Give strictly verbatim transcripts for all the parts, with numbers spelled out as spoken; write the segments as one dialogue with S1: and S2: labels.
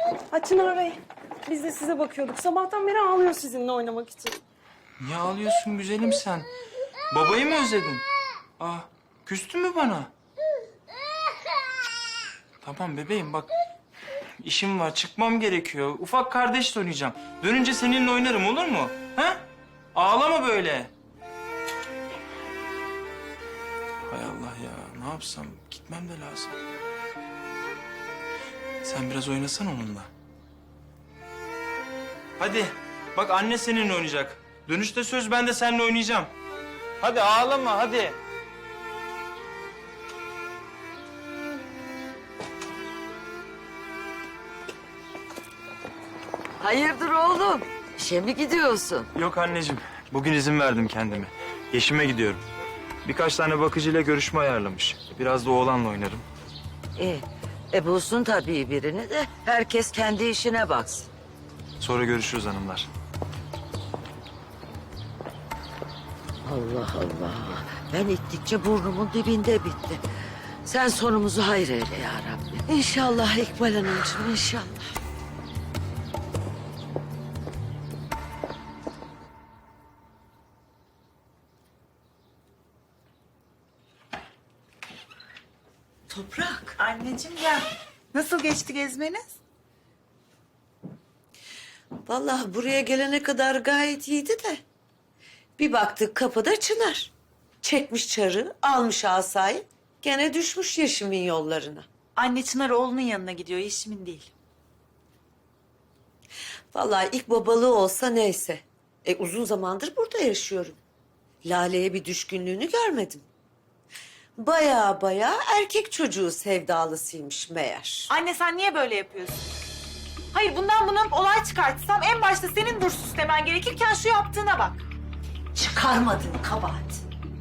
S1: Ha Çınar Bey, biz de size bakıyorduk. Sabahtan beri ağlıyor sizinle oynamak için.
S2: Niye ağlıyorsun güzelim sen? Babayı mı özledin? Ah, küstün mü bana? Tamam bebeğim bak. İşim var, çıkmam gerekiyor. Ufak kardeşle oynayacağım. Dönünce seninle oynarım olur mu? Ha? Ağlama böyle. Hay Allah ya, ne yapsam? Gitmem de lazım. Sen biraz oynasan onunla. Hadi, bak anne seninle oynayacak. Dönüşte söz ben de seninle oynayacağım. Hadi ağlama, hadi.
S3: Hayırdır oğlum? İşe mi gidiyorsun?
S2: Yok anneciğim, bugün izin verdim kendime. Yeşime gidiyorum. Birkaç tane bakıcıyla görüşme ayarlamış. Biraz da oğlanla oynarım.
S3: İyi. E bulsun tabii birini de herkes kendi işine baksın.
S2: Sonra görüşürüz hanımlar.
S3: Allah Allah. Ben ittikçe burnumun dibinde bitti. Sen sonumuzu hayır eyle ya Rabbi. İnşallah İkbal Hanımcığım, inşallah. Toprak.
S4: Anneciğim gel. Nasıl geçti gezmeniz?
S3: Vallahi buraya gelene kadar gayet iyiydi de. Bir baktık kapıda Çınar. Çekmiş çarı, almış asayı. Gene düşmüş Yeşim'in yollarına.
S4: Anne Çınar oğlunun yanına gidiyor, Yeşim'in değil.
S3: Vallahi ilk babalığı olsa neyse. E uzun zamandır burada yaşıyorum. Lale'ye bir düşkünlüğünü görmedim. Baya baya erkek çocuğu sevdalısıymış meğer.
S4: Anne sen niye böyle yapıyorsun? Hayır bundan buna olay çıkartsam en başta senin dursuz demen gerekirken şu yaptığına bak.
S3: Çıkarmadın kabahat.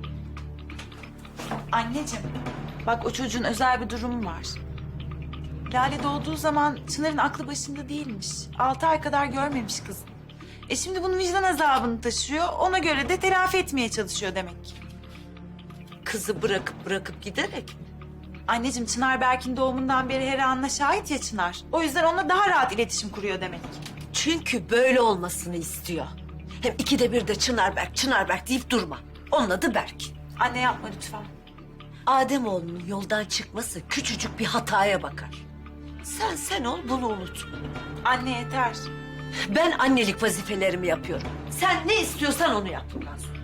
S4: Anneciğim bak o çocuğun özel bir durumu var. Lale doğduğu zaman Çınar'ın aklı başında değilmiş. Altı ay kadar görmemiş kızım. E şimdi bunun vicdan azabını taşıyor. Ona göre de telafi etmeye çalışıyor demek ki.
S3: Kızı bırakıp bırakıp giderek mi?
S4: Anneciğim Çınar Berk'in doğumundan beri her anına şahit ya Çınar. O yüzden onunla daha rahat iletişim kuruyor demek ki.
S3: Çünkü böyle olmasını istiyor. Hem ikide bir de Çınarberk, Çınarberk deyip durma. Onun adı Berk.
S4: Anne yapma lütfen.
S3: Ademoğlunun yoldan çıkması küçücük bir hataya bakar. Sen sen ol, bunu unut.
S4: Anne yeter.
S3: Ben annelik vazifelerimi yapıyorum. Sen ne istiyorsan onu yap bundan sonra.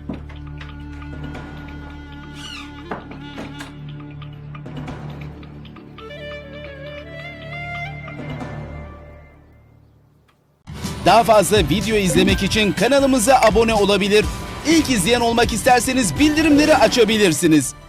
S5: Daha fazla video izlemek için kanalımıza abone olabilir. İlk izleyen olmak isterseniz bildirimleri açabilirsiniz.